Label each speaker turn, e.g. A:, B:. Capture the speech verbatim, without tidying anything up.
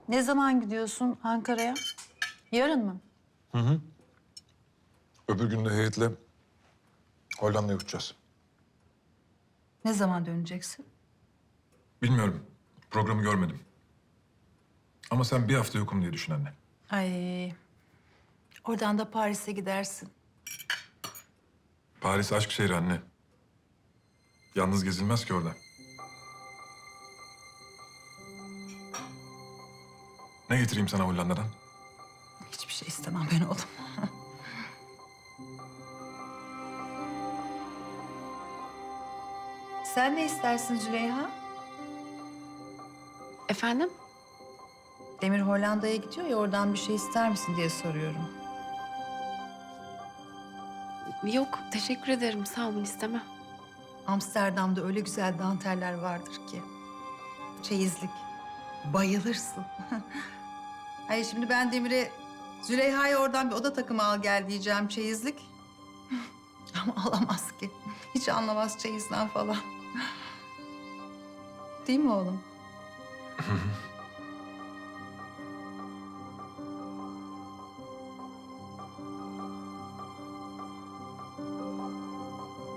A: Ne zaman gidiyorsun Ankara'ya? Yarın mı?
B: Öbür gün de heyetle Hollanda'ya uçacağız.
A: Ne zaman döneceksin?
B: Bilmiyorum. Programı görmedim. Ama sen bir hafta yokum diye düşün anne.
A: Ay, oradan da Paris'e gidersin.
B: Paris aşk şehri anne. Yalnız gezilmez ki orada. Ne getireyim sana Hollanda'dan?
A: Hiçbir şey istemem ben oğlum. Sen ne istersin Züleyha?
C: Efendim?
A: Demir Hollanda'ya gidiyor ya, oradan bir şey ister misin diye soruyorum.
C: Yok, teşekkür ederim. Sağ olun, istemem.
A: Amsterdam'da öyle güzel danteller vardır ki. Çeyizlik. Bayılırsın. Hayır, şimdi ben Demir'e Züleyha'ya oradan bir oda takımı al gel diyeceğim, çeyizlik. Ama alamaz ki. Hiç anlamaz çeyizden falan. Değil mi oğlum?